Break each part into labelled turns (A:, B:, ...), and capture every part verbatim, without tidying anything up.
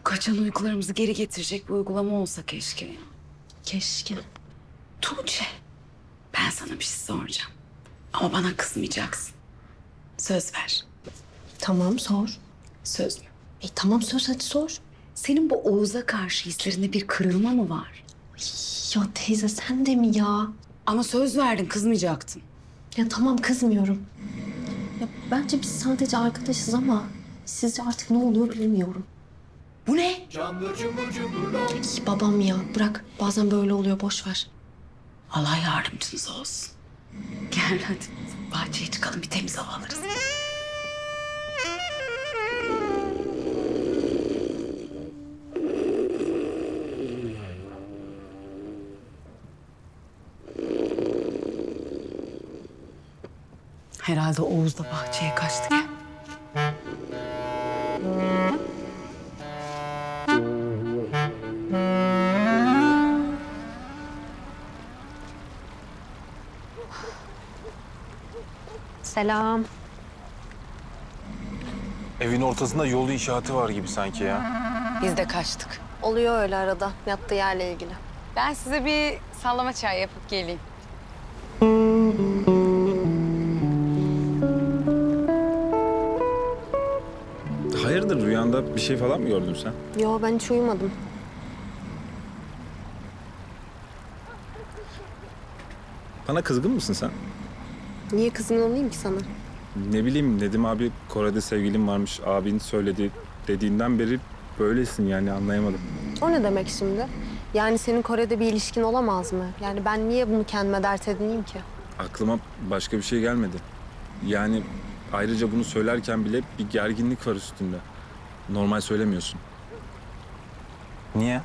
A: kaçan uykularımızı geri getirecek bir uygulama olsa keşke ya.
B: Keşke.
A: Tuğçe, ben sana bir şey soracağım. Ama bana kızmayacaksın. Söz ver.
B: Tamam sor.
A: Söz mü?
B: E tamam söz hadi sor.
A: Senin bu Oğuz'a karşı hislerinde bir kırılma mı var?
B: Ya teyze sen de mi ya?
A: Ama söz verdin, kızmayacaktın.
B: Ya tamam kızmıyorum. Ya bence biz sadece arkadaşız ama sizce artık ne oluyor bilmiyorum.
A: Bu ne?
B: Ay, babam ya bırak bazen böyle oluyor boş ver.
A: Allah yardımcınız olsun. Gel hadi bahçeye çıkalım, bir temiz hava alırız. Herhalde Oğuz da bahçeye kaçtı. Gel.
B: Selam.
C: Evin ortasında yol inşaatı var gibi sanki ya.
D: Biz de kaçtık.
B: Oluyor öyle arada yattığı yerle ilgili.
D: Ben size bir sallama çay yapıp geleyim.
C: Hayırdır, rüyanda bir şey falan mı gördün sen?
B: Yo ben hiç uyumadım.
C: Bana kızgın mısın sen?
B: Niye kızgın olayım ki sana?
C: Ne bileyim, Nedim abi Kore'de sevgilim varmış, abin söyledi dediğinden beri böylesin yani, anlayamadım.
B: O ne demek şimdi? Yani senin Kore'de bir ilişkin olamaz mı? Yani ben niye bunu kendime dert edineyim ki?
C: Aklıma başka bir şey gelmedi. Yani ayrıca bunu söylerken bile bir gerginlik var üstünde. Normal söylemiyorsun. Niye?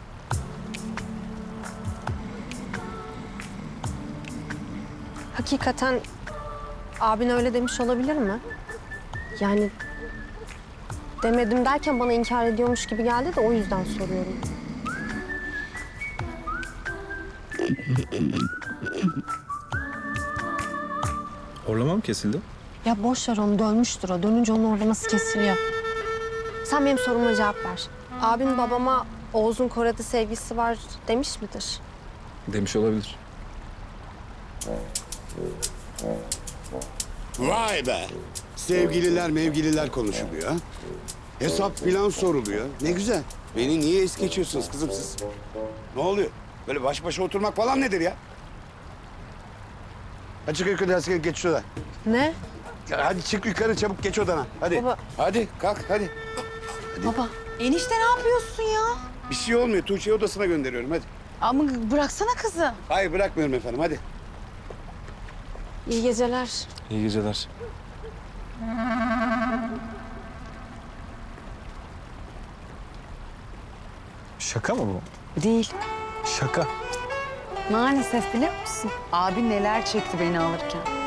B: Hakikaten abin öyle demiş olabilir mi? Yani demedim derken bana inkar ediyormuş gibi geldi de o yüzden soruyorum.
C: Horlama mı kesildi?
B: Ya boş ver onu dönmüştür o. Dönünce onun orlaması kesiliyor. Sen benim soruma cevap ver. Abin babama Oğuz'un Kore'de sevgisi var demiş midir?
C: Demiş olabilir.
E: Vay be! Sevgililer mevgililer konuşuluyor. Hesap filan soruluyor. Ne güzel. Beni niye es geçiyorsunuz kızım siz? Ne oluyor? Böyle baş başa oturmak falan nedir ya? Hadi çık yukarı, hadi geç şuradan.
B: Ne?
E: Ya hadi çık yukarı, çabuk geç odana. Hadi.
B: Baba.
E: Hadi kalk hadi.
B: Baba.
D: Enişte ne yapıyorsun ya?
E: Bir şey olmuyor. Tuğçe'yi odasına gönderiyorum hadi.
D: Ama bıraksana kızı.
E: Hayır bırakmıyorum efendim hadi.
B: İyi geceler.
C: İyi geceler. Şaka mı bu?
D: Değil.
C: Şaka.
D: Maalesef biliyor musun? Abi neler çekti beni alırken.